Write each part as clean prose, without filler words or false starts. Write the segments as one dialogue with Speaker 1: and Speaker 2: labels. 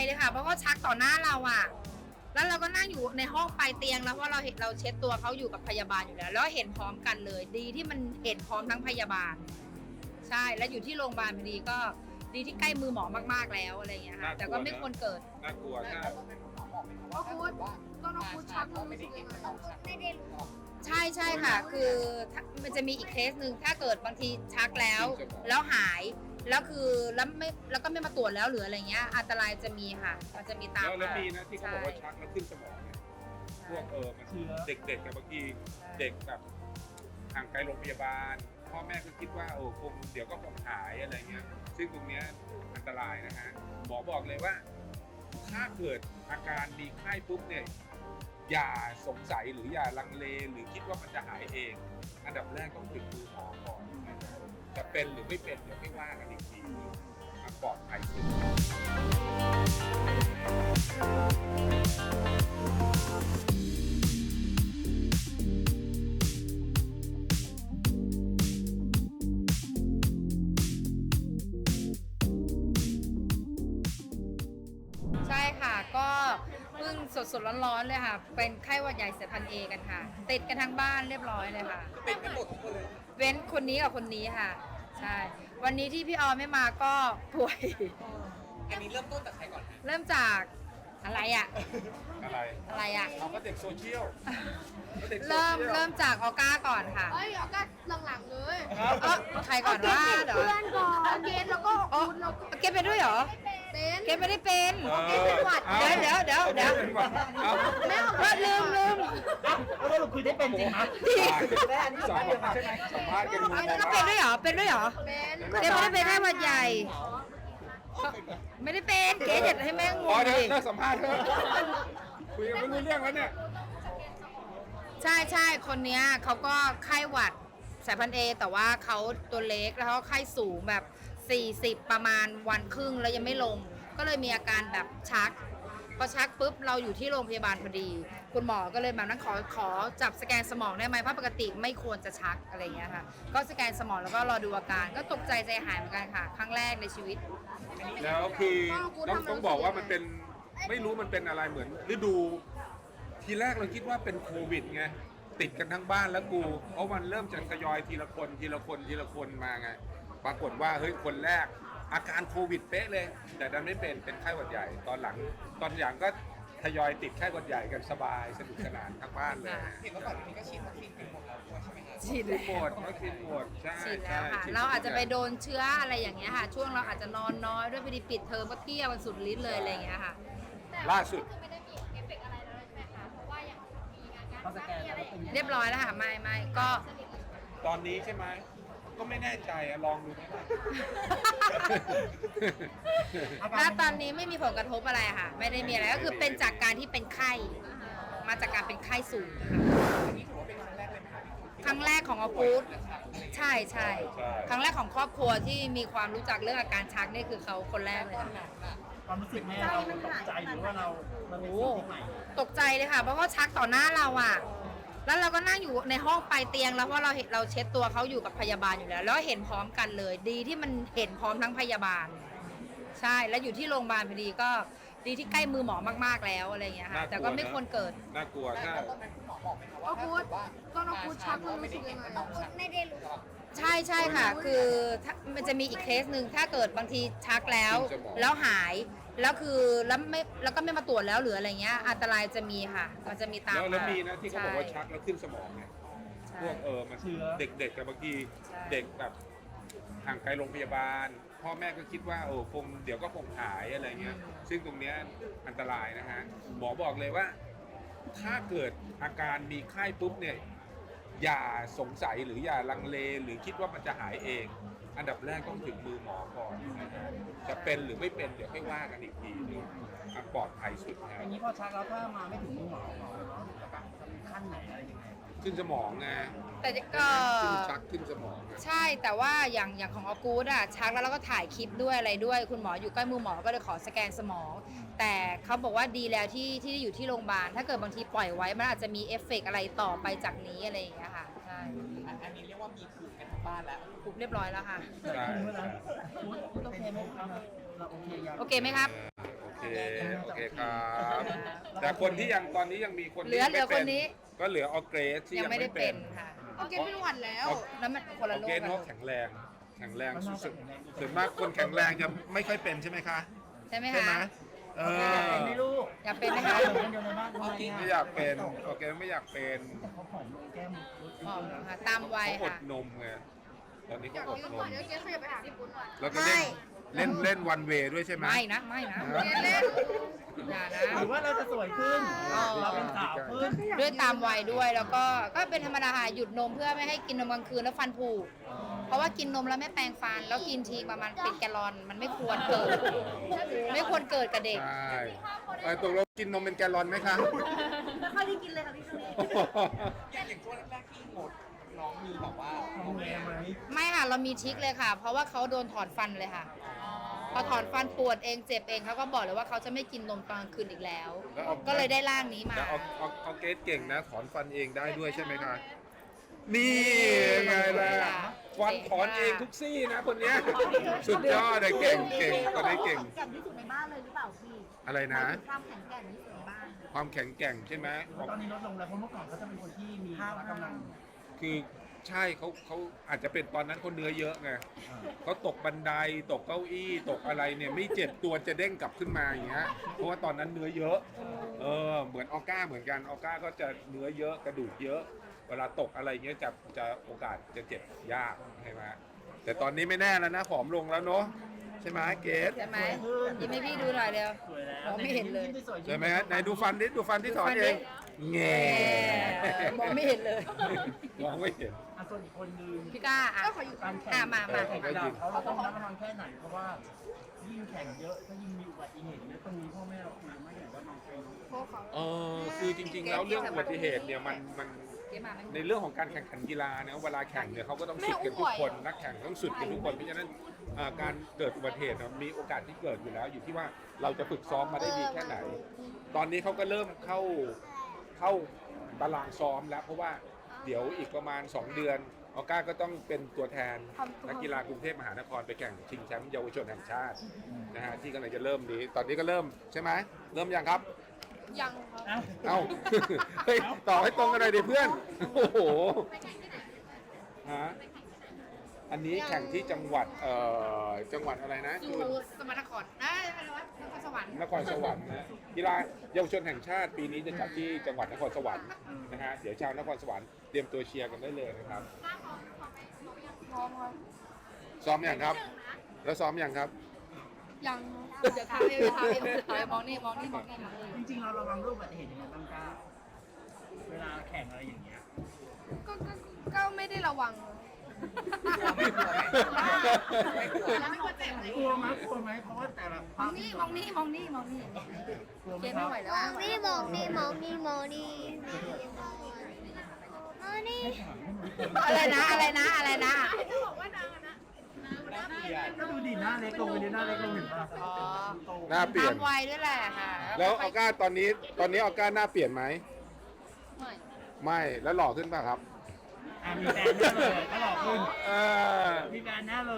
Speaker 1: เลยค่ะเพราะว่าชักต่อหน้าเราอ่ะแล้วเราก็นั่งอยู่ในห้องปลายเตียงแล้วเพราะเราเห็นเราเช็ดตัวเขาอยู่กับพยาบาลอยู่แล้วเห็นพร้อมกันเลยดีที่มันเห็นพร้อมทั้งพยาบาลใช่แล้วอยู่ที่โรงพยาบาลพอดีก็ดีที่ใกล้มือหมอมากๆแล้วอะไรอย่างเงี้ยค่ะแต่ก็ไม่ควรเกิด
Speaker 2: น่ากลัวถ้า
Speaker 3: ก็พูดก็น้องพูดชักรู้สึกยังไงไม่ได้รู้
Speaker 1: ใช่ค่ะคือมันจะมีอีกเคสหนึ่งถ้าเกิดบางทีชักแล้วหายแล้วคือแล้วก็ไม่มาตรวจแล้วหรืออะไรเงี้ยอันตรายจะมีค่ะมันจะมีตาม
Speaker 2: แล้วมีนะที่เขาบอกว่าชักแล้วขึ้นสมองเนี่ยพวกมันเด็กกับบางทีเด็กแบบห่างไกลโรงพยาบาลพ่อแม่ก็คิดว่าคงเดี๋ยวก็คงหายอะไรเงี้ยซึ่งตรงเนี้ยอันตรายนะฮะหมอบอกเลยว่าถ้าเกิดอาการมีไข้ปุ๊บเนี่ยอย่าสงสัยหรืออย่าลังเลหรือคิดว่ามันจะหายเองอันดับแรกต้องถึงมือหมอก่อนจะเป็นหรือไม่เป็นเดี๋ยวไม่ว่ากันอีกทีมันปลอดภัยสุด
Speaker 1: ใช่ค่ะก็เพิ่งสดร้อนๆเลยค่ะเป็นไข้หวัดใหญ่สายพันธุ์เอกันค่ะติดกันทั้งบ้านเรียบร้อยเลยค่ะ
Speaker 3: เป็นกันหมดทุกคนเลย
Speaker 1: เว้นคนนี้กับคนนี้ค่ะใช่วันนี้ที่พี่ออไม่มาก็ป่วย
Speaker 3: อันนี้เริ่มต้นจากใครก่อนฮะ
Speaker 1: เริ่มจากอะไรอะ
Speaker 2: อะไรเขาก็เด็กโซเชียล
Speaker 1: เริ่มจากออก้าก่อนค่ะ
Speaker 3: เอ้ยเอาก็หลังๆเลย
Speaker 1: ใครก่อนว่าเดี๋ยว
Speaker 3: เพื่อนก่อนเกณฑ์แล้วก็คุณแล้วก็
Speaker 1: เก็บไปด้วยเหรอ
Speaker 3: เป็น
Speaker 1: เก็บไม่ได้เป็น
Speaker 3: เกณฑ์เป็นหวัด
Speaker 1: เดี๋ยว
Speaker 3: แม่เอา
Speaker 1: ว่าลืม
Speaker 4: แล้วเราคุยได้เป็นจริงไหมได้อันนี้
Speaker 2: ส
Speaker 4: สั
Speaker 2: อ
Speaker 4: ม
Speaker 2: ง
Speaker 4: ภาษณ์
Speaker 2: ใช่ไหมสัมภาษณ์กัน
Speaker 1: ก็เป็นด้วยเหรอเป็นด้วยเหรอ
Speaker 3: เป็น
Speaker 1: เก็บไม่ได้เป็นไข้หวัดใหญ่ไม่ได้เป็นเก๋จะให้แม่งงง
Speaker 2: เดี๋ยว
Speaker 1: ดิ
Speaker 2: สัมภาษณ์เถอะคุยกันไม่รู้เรื่องแล้วเนี่ย
Speaker 1: ใช่คนเนี้ยเขาก็ไข้หวัดสายพันธุ์เอแต่ว่าเขาตัวเล็กแล้วเขาไข้สูงแบบ40ประมาณวันครึ่งแล้วยังไม่ลงก็เลยมีอาการแบบชักพอชักปุ๊บเราอยู่ที่โรงพยาบาลพอดีคุณหมอก็เลยแบบนั้นขอจับสแกนสมองได้ไหมเพราะปกติไม่ควรจะชักอะไรอย่างเงี้ยค่ะก็สแกนสมองแล้วก็รอดูอาการก็ตกใจใจหายเหมือนกันค่ะครั้งแรกในชีวิต
Speaker 2: แล้วคือต้องบอกว่ามันเป็นไม่รู้มันเป็นอะไรเหมือนฤดูทีแรกเราคิดว่าเป็นโควิดไงติดกันทั้งบ้านแล้วกูเพราะมันเริ่มจะทยอยทีละคนมาไงปรากฏว่าเฮ้ยคนแรกอาการโควิดเป๊ะเลยแต่ดันไม่เป็นไข้หวัดใหญ่ตอนหลังก็ทยอยติดไข้หวัดใหญ่กันสบายสนุกสนานทั้งบ้านเลย
Speaker 3: เห็นว่าก่อนนี้ก็ฉีดวัคซีนกันหมดแล้วด้วยใช่ไหมครับ
Speaker 1: ฉีด
Speaker 2: หมดวัคซีนหมดใช่
Speaker 1: ฉีดแล้วค่ะเราอาจจะไปโดนเชื้ออะไรอย่างเงี้ยค่ะช่วงเราอาจจะนอนน้อยด้วยพอดีปิดเทอมก็เที่ยวกันสุดฤทธิ์เลยอะไรอย่างเงี้ยค่ะ
Speaker 2: ล่าสุด
Speaker 5: ไม่ได้มีเอฟเฟกต์อะไรแล้วใช่ไหมคะ เพราะว่าอย่างมีงาน
Speaker 4: เขาสแกน
Speaker 5: มีอะไรอย่างเงี้ย
Speaker 1: เรียบร้อยแล้วค่ะไม่ก็
Speaker 2: ตอนนี้ใช่ไหมก็ไม่แน่ใจอะลองดูไหมล่ะ
Speaker 1: ณตอนนี้ไม่มีผลกระทบอะไรค่ะ ไม่ได้มีอะไรก็คือเป็นจากการที่เป็นไข้มาจากการเป็นไข้สูงค่ะ
Speaker 3: อันนี้ถือว่าเป็นครั้งแรกเลยไหมคะ
Speaker 1: ครั้งแรกของออกูดใช่ครั้งแรกของครอบครัวที่มีความรู้จักเรื่องอาการชักนี่คือเขาคนแรกเลยค่ะ
Speaker 4: ความรู้สึกแม่เราตกใจหรือว่ามันเป็น
Speaker 1: โอ้
Speaker 4: สิ่งที่ใหม่
Speaker 1: ตกใจเลยค่ะเพราะว่าชักต่อหน้าเราอ่ะแล้วเราก็นั่งอยู่ในห้องปลายเตียงแล้วเพราะเราเห็นเราเช็ดตัวเขาอยู่กับพยาบาลอยู่แล้วเห็นพร้อมกันเลยดีที่มันเห็นพร้อมทั้งพยาบาลใช่แล้วอยู่ที่โรงพยาบาลพอดีก็ดีที่ใกล้มือหมอมากๆแล้วอะไรอย่างเงี้ยค่ะแต่ก็ไม่ควรเกิด
Speaker 2: น่ากลัวถ้า
Speaker 3: ตอนนั้นคุณหมอบอกไหมคะก็ ว่าพูดก็น้องพูดชักรู้สึกยังไงไม่ได้รู้
Speaker 1: ใช่ค่ะคือมันจะมีอีกเคสหนึ่งถ้าเกิดบางทีชักแล้วหายแล้วก็ไม่มาตรวจแล้วหรืออะไรเงี้ยอันตรายจะมีค่ะมันจะมีตาม
Speaker 2: แล้วมีนะที่เขาบอกว่าชักแล้วขึ้นสมองเนี่ยพวกมันเด็กกับบางทีเด็กแบบห่างไกลโรงพยาบาลพ่อแม่ก็คิดว่าคงเดี๋ยวก็คงหายอะไรเงี้ยซึ่งตรงเนี้ยอันตรายนะฮะหมอบอกเลยว่าถ้าเกิดอาการมีไข้ปุ๊บเนี่ยอย่าสงสัยหรืออย่าลังเลหรือคิดว่ามันจะหายเองอันดับแรกต้องถึงมือหมอก่อนนะฮะจะเป็นหรือไม่เป็นเดี๋ยวไม่ว่ากันอีกทีนึงมันปลอดภัยสุดนะ
Speaker 4: อย่างนี้พอชักแล้วถ้ามาไม่ถึงมือหมอเราจะขั้นไหนอะไรยังไง
Speaker 2: ขึ้นสมองไง
Speaker 1: แต่ก็
Speaker 2: ชักขึ้นสมอง
Speaker 1: ใช่แต่ว่าอย่างของออกูดอะชักแล้วเราก็ถ่ายคลิปด้วยอะไรด้วยคุณหมออยู่ใกล้มือหมอก็เลยขอสแกนสมอง แต่เขาบอกว่าดีแล้วที่อยู่ที่โรงพยาบาลถ้าเกิดบางทีปล่อยไว้มันอาจจะมีเอฟเฟกต์อะไรต่อไปจากนี้อะไรอย่างเงี้ยค่ะใช่
Speaker 3: อันนี้เรียกว่ามีภูมิกันทั้งบ้านแล้ว
Speaker 1: คุบเรียบร้อยแล้วค่ะ
Speaker 2: ใช่
Speaker 4: โอเคไหมครับเราโอเคยัง
Speaker 1: โอเคไหมครับ
Speaker 2: โอเคโอเคครับ แต่คนที่ยังตอนนี้ยังมีคน
Speaker 1: เหลื
Speaker 2: ที่
Speaker 1: อ
Speaker 2: ยังไม่เป็น
Speaker 1: คนนี้
Speaker 2: ก็เหลือออร์เกรสที่
Speaker 1: ยัง
Speaker 2: ยัง
Speaker 1: ไม่ได้
Speaker 2: ไม่
Speaker 1: เป็
Speaker 2: เป็น น
Speaker 1: ค่ะ
Speaker 3: โอเคเป็นหวัดแล้ว
Speaker 1: แล้วมันคน
Speaker 2: อ
Speaker 1: ละ
Speaker 2: อร์
Speaker 1: โร
Speaker 2: เกร
Speaker 1: ค
Speaker 2: ส
Speaker 1: กัน
Speaker 2: เขาแข็งแรงสุดๆส่วนมากคนแข็งแรงจะไม่ค่อยเป็นใช่ไหมคะ
Speaker 1: ใช่ไหม
Speaker 2: ใช่ไหม
Speaker 1: คะ
Speaker 2: เอ
Speaker 4: เป็น
Speaker 2: อ
Speaker 4: ไหมลูก
Speaker 1: อยากเป็นไหมคะ
Speaker 4: เป็นคนเดียวในบ้านทำไม
Speaker 2: ไม่อยากเป็นออร์เกรสไม่อยากเป็น
Speaker 4: แต่เขาผอมลงแก้มลด
Speaker 1: อ๋อค่ะตามวัย
Speaker 2: เขาอด
Speaker 1: ค่ะ
Speaker 2: นมไงตอนนี้
Speaker 3: อยา
Speaker 2: เขา
Speaker 3: ก
Speaker 2: อด
Speaker 3: กิน
Speaker 2: น
Speaker 3: ก่อน
Speaker 2: ม
Speaker 3: เดี๋ยวเจ๊ขยับไปหาพี่ปุ้นก่อน
Speaker 2: แล้วก็เล่นวันเวด้วยใช่ไหม
Speaker 1: ไม่นะไม่นะ
Speaker 3: เจ๊เล่น
Speaker 1: อย่านะ
Speaker 4: หรือว่าเราจะสวยขึ้น
Speaker 1: อ๋อ
Speaker 4: เราเป็นสาวขึ้น
Speaker 1: ด้วยตามวัยด้วยแล้วก็เป็นธรรมดาค่ะหยุดนมเพื่อไม่ให้กินนมกลางคืนแล้วฟันผุเพราะว่ากินนมแล้วไม่แปรงฟัน แล้วกินทีประมาณเป็นแกลลอนมันไม่ควรเกิด ไม่ควรเกิดกับเด็ก
Speaker 2: ใช่ตกลงกินนมเป็นแกลลอนไหมคะ
Speaker 3: ไม่ค่อยได้กินเลยค่ะพี่คนนี้
Speaker 6: อย่างช่วงแรกๆที่หมดน้องมีแบบว่า
Speaker 4: ดูแลไหม
Speaker 1: ไม่ค่ะเรามีทริคเลยค่ะ เพราะว่าเขาโดนถอนฟันเลยค่ะ พอถอนฟันปวดเองเจ็บเองเขาก็บอกเลยว่าเขาจะไม่กินนมตอนกลางคืนอีกแล้ว ก็เลยได้ร่างนี้มา
Speaker 2: แต่เอาเกรดเก่งนะถอนฟันเองได้ด้วยใช่ไหมคะ นี่ไงล่ะฟันถอนเองทุกซี่นะคนเนี้ยสุดยอดเลยเก่งคนนี้เก่ง
Speaker 3: แก่งที่สุดในบ้านเลยหรือเปล่าพี่
Speaker 2: อะไรนะ
Speaker 3: ความแข็งแกร่งที่สุดในบ้าน
Speaker 2: ความแข็งแกร่งใช่ไหม
Speaker 4: ตอนนี้ลดลงแล้วเพราะเมื่อก่อนเขาจะเป็นคนที่มีพละกำลัง
Speaker 2: คือใช่เขาอาจจะเป็นตอนนั้นเขาเนื้อเยอะไงเขาตกบันไดตกเก้าอี้ตกอะไรเนี่ยไม่เจ็บตัวจะเด้งกลับขึ้นมาอย่างเงี้ยเพราะว่าตอนนั้นเนื้อเยอะเหมือนออก้าเหมือนกันออก้าก็จะเนื้อเยอะกระดูกเยอะ เวลาตกอะไรเงี้ยจะโอกาสจะเจ็บยากใช่ไหมแต่ตอนนี้ไม่แน่แล้วนะผอมลงแล้วเนาะใช่ไหมเกส
Speaker 1: ใช่ไหมยิ้มให้พี่ดูหน่อยเร็ว
Speaker 4: สวยแล้ว
Speaker 1: มองไม่เห็นเลย
Speaker 4: ยิ้สวย
Speaker 2: ใช่ไหมฮะไหนดูฟันที่ถอนเองแง่
Speaker 1: มองไม่เห็นเลย
Speaker 2: มองไม่เห็น
Speaker 4: ส่วนอีกคนนึง
Speaker 1: พี่ก้าอ่ะ
Speaker 3: ก็ขออยู่
Speaker 4: การแข่ง
Speaker 1: มา
Speaker 4: แข่งกีฬาเขาต้องระมัดระวังแค่ไหนเพราะว่ายิ่งแข่งเยอะถ้ายิ่งมีอุบัติเหตุเนี่ยตรงนี้พ่อแม่เราคุยไม่อย่างว่าน้องใครรู้
Speaker 3: โค้เขา
Speaker 2: คือจริงๆแล้วเรื่องอุบัติเหตุเนี่ยมัน
Speaker 1: เจ๊มาไหม
Speaker 2: ในเรื่องของการแข่งขันกีฬาเนี่ยเวลาแข่งเนี่ยเขาก็ต้องสุดกันทุกคนนักแข่งต้องสุดกันทุกคนเพราะฉะนั้นการเกิดอุบัติเหตุเนี่ยมีโอกาสที่เกิดอยู่แล้วอยู่ที่ว่าเราจะฝึกซ้อมมาได้ดีแค่ไหน ตอนนี้เขาก็เริ่มเข้าตารางซ้อมแล้ว เพราะว่าเดี๋ยวอีกประมาณ 2 เดือนออก้าก็ต้องเป็นตัวแทนนักกีฬากรุงเทพมหานครไปแข่งชิงแชมป์เยาวชนแห่งชาตินะฮะที่กำลังจะเริ่มนี้ตอนนี้ก็เริ่มใช่ไหมเริ่มยังครับ
Speaker 3: ยังครับ
Speaker 2: เอ้า เฮ้ยต่อให้ตรงกันเลยดิเพื่อน โอ้โหฮะอันนี้แข่งที่จังหวัดอะไรนะ
Speaker 1: สุ
Speaker 2: คุณ
Speaker 1: สมรรถนครอะไรวะนครสวรรค์
Speaker 2: นครสวรรค์นะกีฬาเยาวชนแห่งชาติปีนี้จะจัดที่จังหวัดนครสวรรค์นะฮะเดี๋ยวชาวนครสวรรค์เตรียมตัวเชียร์กันได้เลยนะครับ
Speaker 3: พร้อมครับ
Speaker 2: ซ้อมอย่างครับ แล้วซ้อมอย่างครับ
Speaker 3: ยัง
Speaker 1: เดี๋ยวทำเองมองนี่มองนี่มองนี่
Speaker 4: จริงๆเราระวังเรื่องอุบัติเหตุยังไงบ้างก้าเวลาแข่งอะไรอย่างเงี้ย
Speaker 3: ก็ไม่ได้ระวัง
Speaker 6: ไม่กลัวไหมไม่กลัว
Speaker 3: แล้วไม่ควรเจ็บเลย
Speaker 4: กลัวไหมเพราะว่าแต่ละ
Speaker 1: มองนี่มองนี่มองนี่มองนี่
Speaker 4: กลัวไหม
Speaker 1: เจ๊
Speaker 4: ค
Speaker 1: ไม่
Speaker 4: รับ
Speaker 1: ไหวแล้ว
Speaker 3: มองนี่มองนี่มองนี่มองนี่
Speaker 1: อะไรนะอะไรนะอะไรนะ
Speaker 3: จะบอกว่านางนะ
Speaker 4: ก็ดูดิหน้าเล็กลงไปดิหน้าเล็กลงเห็นป่ะ
Speaker 1: อ๋อ
Speaker 2: หน้าเปลี่ย
Speaker 1: ตาน มวัยด้วยแหละค่ะ
Speaker 2: แล้วออก้าตอนนี้ออก้าหน้าเปลี่ยนไหม ไม่แล้วหล่อขึ้นป่ะครับ
Speaker 4: มีแฟนแน่เลยก็หลอกคุณ
Speaker 2: เออ
Speaker 4: มีแฟนแน่เลย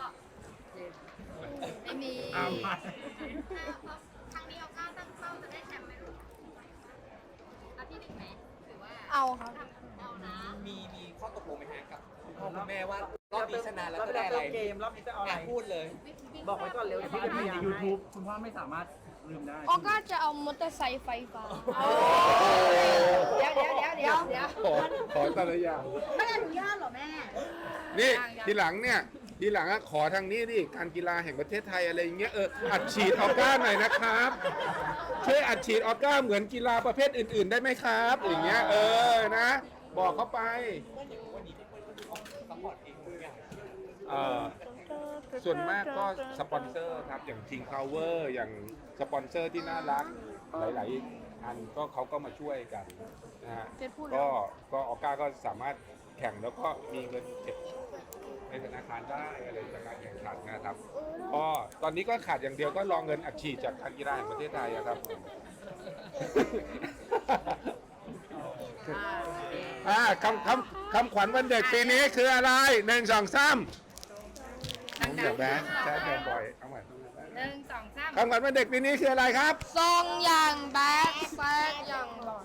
Speaker 1: ไม่มี
Speaker 4: ไป
Speaker 5: ครั้งนี้เอาก้าวตั้งเป้าจะได้แชมป์ไหมลูกเอาที่หนึ่งไหมหรือว่า
Speaker 3: เอาครับ
Speaker 5: เอานะ
Speaker 6: มีข้อตกลงไหมฮะกับคุณพ่อคุณแม่ว่ารอบนี้ชนะแล้วจะได้อะไรเกมรอบนี้จะเอาอะไรพูดเลย
Speaker 4: บอกไว้ก่อนเร็วที่จะมีใน YouTube คุณพ่อไม่สามารถลืมได้
Speaker 3: ออก้าจะเอามอเตอร์ไซค์ไฟฟ้า
Speaker 1: เดี๋ยว
Speaker 2: ขอแต่ละอย่าง
Speaker 3: ไม่อนุญาตเหรอแม่
Speaker 2: นี่ทีหลังอะขอทางนี้ดิการกีฬาแห่งประเทศไทยอะไรอย่างเงี้ยอัดฉีดออก้าหน่อยนะครับช่วยอัดฉีดออก้าเหมือนกีฬาประเภทอื่นๆได้ไหมครับอย่างเงี้ยนะ บอกเขาไปส่วนมากก็สปอนเซอร์ครับอย่าง King Power อย่างสปอนเซอร์ที่น่ารักหลายๆอันก็เขาก็มาช่วยกันนะฮะ
Speaker 3: เจ๊พูดแล้ว
Speaker 2: ก็ออก้าก็สามารถแข่งแล้วก็มีเงินเก็บในธนาคารได้อะไรจากการแข่งขันนะครับก็ตอนนี้ก็ขาดอย่างเดียวก็รอเงินอัดฉีดจากการกีฬาแห่งประเทศไทยอะครับคำขวัญวันเด็กปีนี้คืออะไร1 2 3ผมอยากแบงค์แชร์บ่อยเอาใหม่
Speaker 1: หนึ่งสองสาม
Speaker 2: คำขวัญวันเด็กปีนี้คืออะไรครับ
Speaker 1: ทรงอย่างแบดแซดอย่างหล่อ